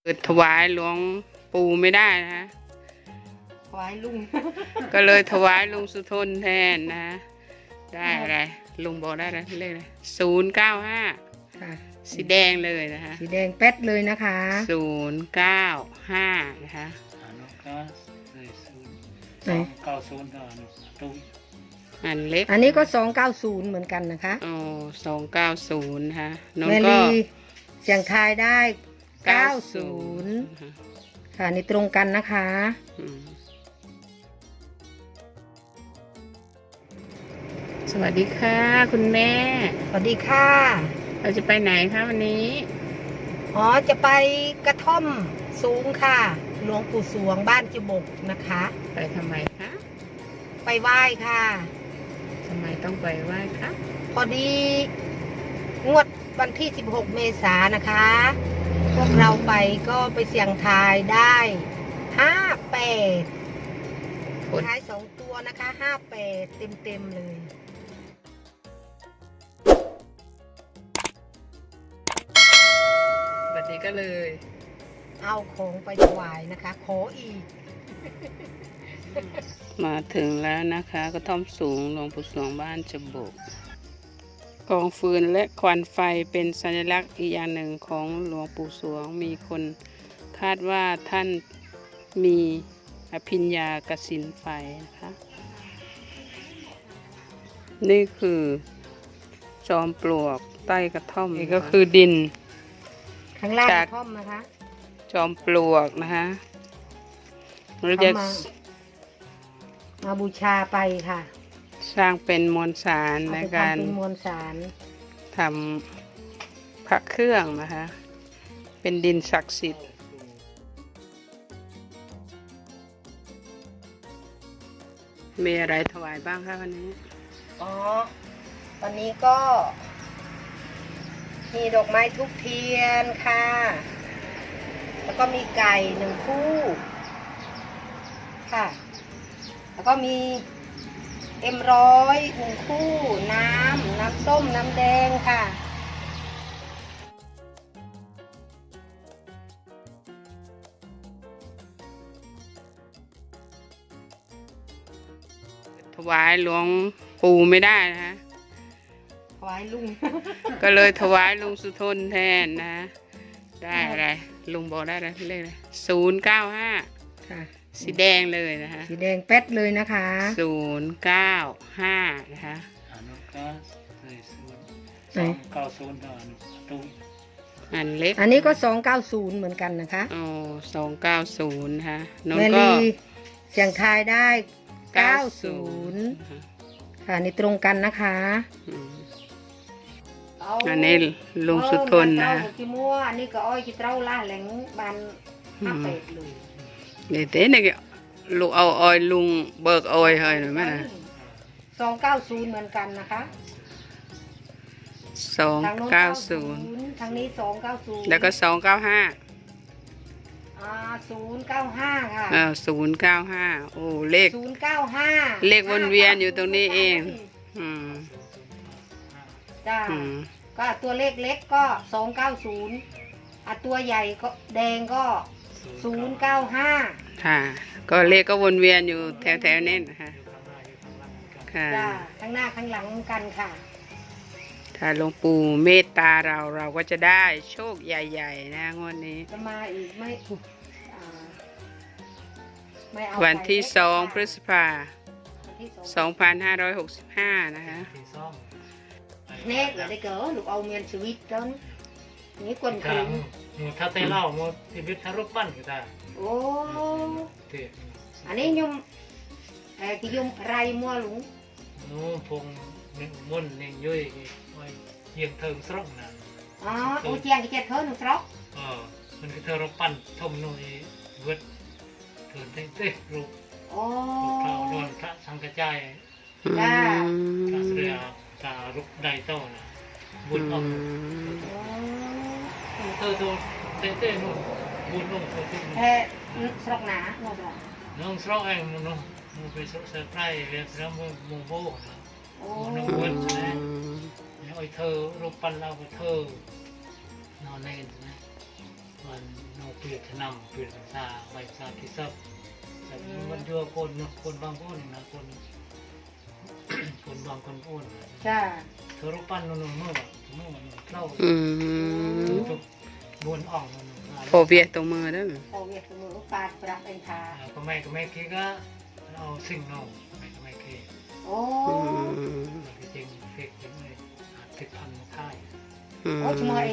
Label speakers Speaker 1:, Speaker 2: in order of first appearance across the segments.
Speaker 1: เปิดถวายหลวงปู่ไม่ได้นะฮะ
Speaker 2: ถวายลุง
Speaker 1: ก็เลยถวายลุงสุทนแทนนะฮะได้อะไรลุงบอกได้อะไรเลขอะไร095
Speaker 2: ค่ะ
Speaker 1: สีแดงเลยนะคะ
Speaker 2: สีแดงแป๊ดเลยนะคะ
Speaker 1: 095นะคะ
Speaker 2: ไหน
Speaker 1: อันเล็ก
Speaker 2: อันนี้ก็290เหมือนกันนะคะ
Speaker 1: อ๋อ290นะคะน้อง
Speaker 2: แม
Speaker 1: ก็
Speaker 2: ลีเสียงทายได้90ค่ะนี่ตรงกันนะคะ
Speaker 1: สวัสดีค่ะคุณแม่
Speaker 2: สวัสดีค่ะ
Speaker 1: เราจะไปไหนคะวันนี้
Speaker 2: อ๋อจะไปกระท่อมสูงค่ะหลวงปู่สวงบ้านจิบกนะคะ
Speaker 1: ไปทำไมคะ
Speaker 2: ไปไหว้ค่ะ
Speaker 1: ทำไมต้องไปไหว้คะ
Speaker 2: พอดีงวดวันที่16 เมษายนนะคะพวกเราไปก็ไปเสี่ยงทายได้58ท้าย2ตัวนะคะ58เต็มเลย
Speaker 1: วันนี้ก็เลย
Speaker 2: เอาของไปถวายนะคะขออีก
Speaker 1: มาถึงแล้วนะคะกระท่อมสูงหลวงปู่สวงบ้านจบกกองฟืนและควันไฟเป็นสัญลักษณ์อีกอย่างหนึ่งของหลวงปู่สวงมีคนคาดว่าท่านมีอภิญญากสินไฟนะคะนี่คือจอมปลวกใต้กระท่อมนี่ก็คือดิน
Speaker 2: ข้างล่างกระท่อมนะคะ
Speaker 1: จอมปลวกนะคะเราจะ
Speaker 2: มาบูชาไปค่ะ
Speaker 1: สร้างเป็นมวลสารในการทำพระเครื่องนะคะเป็นดินศักดิ์สิทธิ์มีอะไรถวายบ้างคะวันนี้
Speaker 2: อ๋อวันนี้ก็มีดอกไม้ทุกเทียนค่ะแล้วก็มีไก่1 คู่ค่ะแล้วก็มีM100 1 คู่น้ำส้มน้ำแดงค่ะ
Speaker 1: ถวายหลวงปู่ไม่ได้นะคะ
Speaker 2: ถวายลุง
Speaker 1: ก็เลยถวายลุงสุทนแทนนะได้อะไรลุงบอกได้อะไรเลขอะไร095
Speaker 2: ค่ะ
Speaker 1: สีแดงเลยนะคะ
Speaker 2: สีแดงแป๊ดเลยนะคะ
Speaker 1: 095นะคะ
Speaker 2: ไหน
Speaker 1: อันเล็ก
Speaker 2: อันนี้ก็290เหมือนกันนะคะ
Speaker 1: อ๋อ290นะคะน้อง
Speaker 2: แม
Speaker 1: ก็
Speaker 2: ลีเสียงทายได้90ค่ะนี่ตรงกันนะคะ
Speaker 1: อันนี้ลุงสุทนนะ
Speaker 2: จิมัวอันนี้ก็อ้อยจิเต้าล่าแหลงบาน58เลย
Speaker 1: นี่เต้นี่ลูกเอาอ้อยลุงเบิกอ้อยให้หน่อยไหมนะ
Speaker 2: 290เหมือนกันนะคะ
Speaker 1: 290
Speaker 2: ทางนี้290
Speaker 1: แล้วก็295
Speaker 2: 095ค่ะ
Speaker 1: 095โอ้เลข
Speaker 2: 095
Speaker 1: เลขวนเวียนอยู่ตรงนี้เอง
Speaker 2: จ้าก็ตัวเลขเล็กก็290ตัวใหญ่ก็แดงก็095
Speaker 1: ค่ะก็เลขก็วนเวียนอยู่แถวๆนี้นะคะค่ะ
Speaker 2: จ้าข้างหน้าข้างหลังกันค่ะ
Speaker 1: ถ้าหลวงปู่เมตตาเราก็จะได้โชคใหญ่ๆนะงวดนี้
Speaker 2: จะมาอีกไม่เอา
Speaker 1: วันที่2 พฤษภาคม 2565นะคะ
Speaker 2: เน็กได้เก๋ลูกเอาเมียนชีวิตจนนี่คนถึง
Speaker 3: ถ้าเตะเล่าโมทีวิตทารุปปั้นก็ได้
Speaker 2: โอ้อันนี้ยมกี่ยมไรมัวหลง
Speaker 3: นู้พงมุ่นเนี่ยยุ่ยเยียงเทิงสระนะ
Speaker 2: อ๋อโอ้เจียงกี่เจ็ดเทิงหนึ่งสระ
Speaker 3: มันคือทารุปปั้นทมนุ่ยเวทเถิดเต้รูป
Speaker 2: โอ้
Speaker 3: พระโดนพระสังกจาย
Speaker 2: จ้า
Speaker 3: พระเสือตาลุกไดโต้นะบุญอมเธอตัวเต้นู่นบุญนุ่งเธอที่
Speaker 2: สระหนาโน่น
Speaker 3: น้องสระเองน้องไปสระเสือไพร่เรียนสระมุงโบนะน้องบุญนะไอ้เธอรูปปั้นเราเธอนอนเล่นนะมันโนเปียชนำเปลี่ยนซาใบซาคิซับแต่มันยั่วคนเนาะคนบางคนนะคนคนบางคนอ้วน
Speaker 2: จ้า
Speaker 3: เธอรูปปั้นนู่นเมื่อเข้า ทุกบนอ่องนู่น
Speaker 1: โพเวียตัวมือเด้อ
Speaker 2: โอเวียสมุนปาดปรับเองค่ะ
Speaker 3: ก็ไม่คิดก็เอาสิ่งเนาะไม่คิด
Speaker 2: โอ้
Speaker 3: จริงเฟกจริงเลยติดพันท้าย
Speaker 2: โอ้ชมอย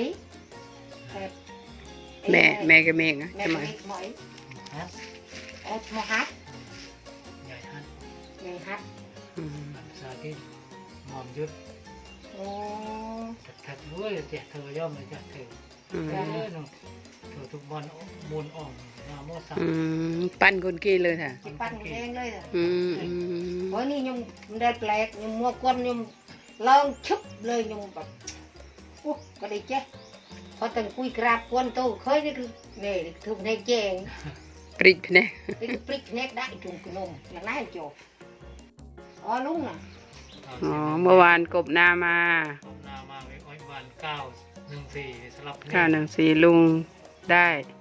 Speaker 1: แม่ก็เมกนะ
Speaker 2: แม่
Speaker 1: ใช่ไหม
Speaker 2: ชมอย
Speaker 3: ฮะ
Speaker 2: โอ้ชมฮัท
Speaker 3: ใหญ่ฮัน
Speaker 2: ใหญ่ฮัท
Speaker 3: สาธิตหอมยุด
Speaker 2: โอ้
Speaker 3: ถัดด้วยเจ้าเธอย่อมเลยเจ้าเธอเนาะเธอทุกบอลมูลอ่องนาโมสัง
Speaker 1: ปั้นคนกี้เลยค่ะ
Speaker 2: จิปั้นเองเลยอ่ะ
Speaker 1: ม
Speaker 2: โอ้นี่ยมได้แปลกยมมัวก้นยมลองชุบเลยยมแบบปุ๊บก็ได้เจ๊พอตั้งคุยกราบก้นโตเคยนี่คือเนี่ยทุกในเจง
Speaker 1: ปริกเนี่ย
Speaker 2: นี่คือปลิกเน็กได้จุ่มขนมหลังนั้นจบอ๋อลุงอ่ะ
Speaker 1: อ๋อเมื่อวานกบนามา
Speaker 3: นามาไว้อ้อยบาน914สลับ
Speaker 1: 914ลุงได้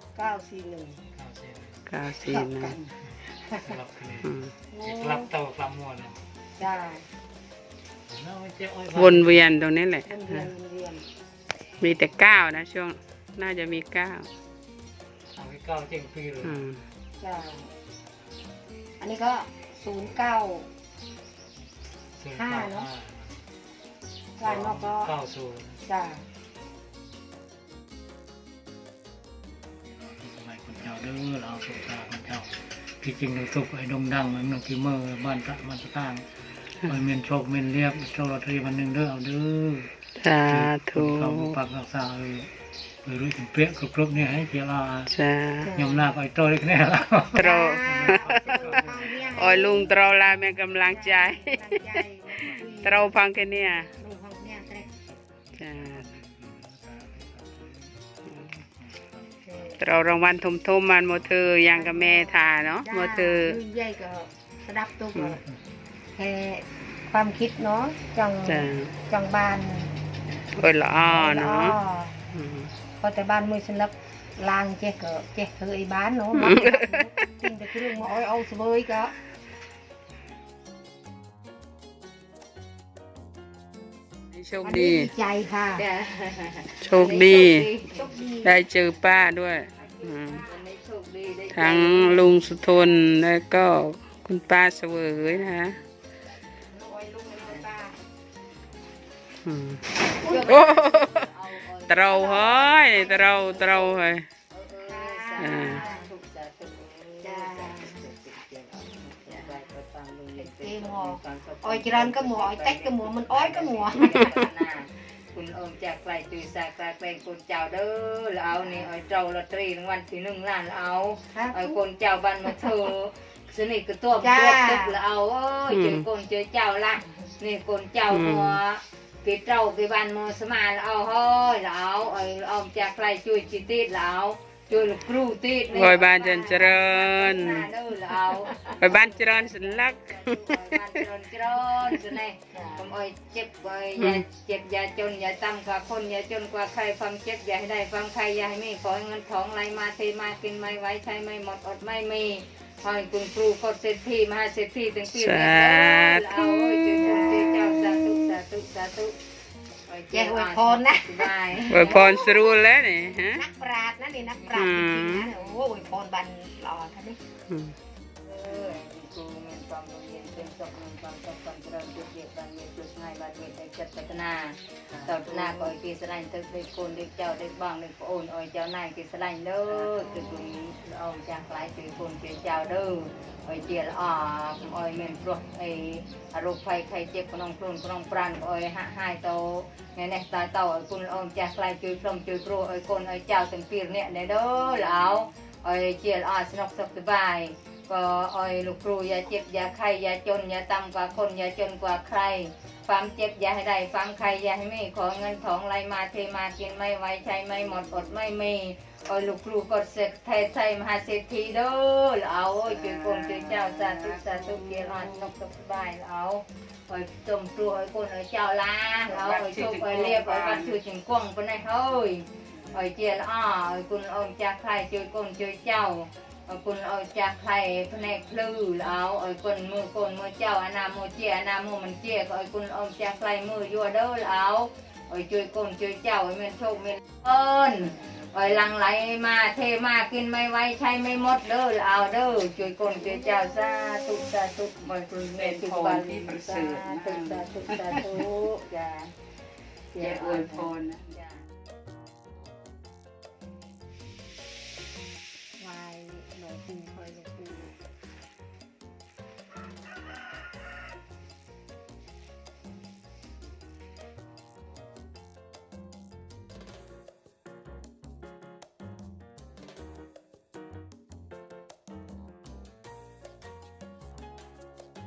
Speaker 2: 941
Speaker 1: 941
Speaker 3: สลับคะแนนสลับเต่ากลำมวน
Speaker 2: จ้า
Speaker 1: วนเวียนตรงนี้แหละ
Speaker 2: เรียนเรียน
Speaker 1: มีแต่9นะช่วงน่าจะมี9
Speaker 3: เอาไว้9เจ็งปีเลย
Speaker 2: จ้าอันนี้ก็09 5เนาะจ้านอกก็
Speaker 3: 90
Speaker 2: จ้า
Speaker 3: สมัยคนเจ้าเด้อเราสุขตาคนเจ้าที่จริงเราสุขไอ้ดงดังมันกิเมอร์บ้านตะมันตะตั้งมันเมียนโชคเมียนเรียบโชคลอตเตอรี่วันหนึ่งเด้อเอาเด้อ
Speaker 1: สาธุ
Speaker 3: เราปักรักษารู้ถึงเปี้ยครบเนี่ยให้เจ้า
Speaker 1: สาย
Speaker 3: ำหน้าไปโตเล็กแน่แล้ว
Speaker 1: ตรโอ้ยลุงตรลาแม่กำลังใจตรพังแค่เนี้ยจ้าตรรางวัลทมมันโมเธอยังกับแม่ทาเนาะโมเธอ
Speaker 2: ใหญ่ก็สดับตัวก็แค่ความคิดเนาะจังบ้าน
Speaker 1: โอ้ยละอ้อเนาะ
Speaker 2: พอแต่บ้านมือฉันรับลางเจ๊ก็เจ๊เคยบ้านเนาะจริงแต่คือเรื่องมาเอาสบายก็
Speaker 1: โชคดี
Speaker 2: ใจค่ะ
Speaker 1: โชคดีได้เจอป้าด้วยทั้งลุงสุทนแล้วก็คุณป้าเสวยนะโอ้เตราเฮ้ยเตราเฮ้ย
Speaker 2: อ้อยจรันก็หมัวอ้อยเต็กก็หมัวมันอ้อยก็หมัว
Speaker 4: คุณอมจากไกลจุยสากลายเป็นคนเจ้าเด้อแล้วเอานี่อ้อยเจ้าลอตเตอรี่รางวัลที่1 ล้านเอาอ้อยคนเจ้าบ้านมาเธอสนิทกับตัวตึกแล้วเอาเจอคนเจอเจ้าละนี่คนเจ้าหัวกี่เจ้ากี่บ้านมาสมาแล้วเอาเฮ้ยแล้วเอาอ้อยอมจากไกลจุยจิตติดแล้วจุยลูกครูติด
Speaker 1: โอยบ้านเจริญ
Speaker 4: เด้อแล้วเอา
Speaker 1: โอยบ้านเจริญสันลัก
Speaker 4: บ้านเจริญสุดเลยผมอ้อยเจ็บอ้อยเจ็บอย่าจนอย่าต่ำกว่าคนอย่าจนกว่าใครความเจ็บอย่าให้ได้ความใครอย่าให้ไม่ขอเงินทองไหลมาเทมากินไม่ไว้ใช้ไม่หมดอดไม่มีขอให้คุณครูกดเศรษฐีมหาเศรษฐีตั้งปีนี้เอาจุดเจ้าสาธุสาธุสาธุ
Speaker 2: แย่อวยพรนะ
Speaker 1: อวยพรสรู้แล้วนี่ฮะ
Speaker 2: นักปราชญ์นะนี่นักปราชญ์จริงๆนะโอ้อวยพรบันหล่อท่านนี่
Speaker 4: ครูเมียนความรู้เย็นเป็นศพเมียนความศพความเจริญจุดเดียวกันเมียนจุดง่ายบาดเจ็บในจัดพัฒนาต่อหน้าก็อ้อยกีสลายตึกเด็กคนเด็กเจ้าเด็กบ้างเด็กโอนอ้อยเจ้านายกีสลายเด้อตึกนี้เอาจากหลายตึกคนเจ้าเด้ออ้อยเจียอ้อยเมียนปลดไอ้อารมณ์ไฟใครเจ็บขนมพลุนขนมปราณอ้อยหายโตไงเนี่ยตายเต่าอ้อยคุณอ้อยจากหลายจุดลมจุดครูอ้อยคนอ้อยเจ้าตั้งปีเนี่ยเด้อแล้วอ้อยเจียสนุกสบายก็อ้อยลูกครูอย่าเจ็บอย่าไข้อย่าจนอย่าต่ำกว่าคนอย่าจนกว่าใครความเจ็บอย่าให้ได้ความใครอย่าให้ไม่ขอเงินทองไหลมาเทมากินไม่ไหวใช้ไม่หมดอดไม่มีอ้อยลูกครูกดเสกไทยใส่มหาเศรษฐีเด้อเอาจุดคนจุดเจ้าสาธุสาธุเกียรตินกสบายเอาอ้อยจมครูอ้อยคนอ้อยเจ้าล้าเอาอ้อยชุบอ้อยเรียบอ้อยบัดชื่อจิงกวงคนไหนเฮ้ย ơi chia ơiคุณเอ้จากใครช่วยคนช่วยเจ้าคุณเอ้จากใครแผนกลือแล้วเอ้คนมือเจ้าอานามือเจียอานามือมันเจียเอ้คุณเอ้จากใครมือยัวเด้อแล้วเอ้ช่วยคนช่วยเจ้าเอ้เมียนโชคเมียนเอิญเอ้หลังไหลมาเทมากินไม่ไว้ใช้ไม่หมดเด้อเอาเด้อช่วยคนช่วยเจ้าสาธุสาธุบอยคุณเมียนทุกวันที่ประเสริฐสาธุจ้า
Speaker 1: แกอวยพรนะ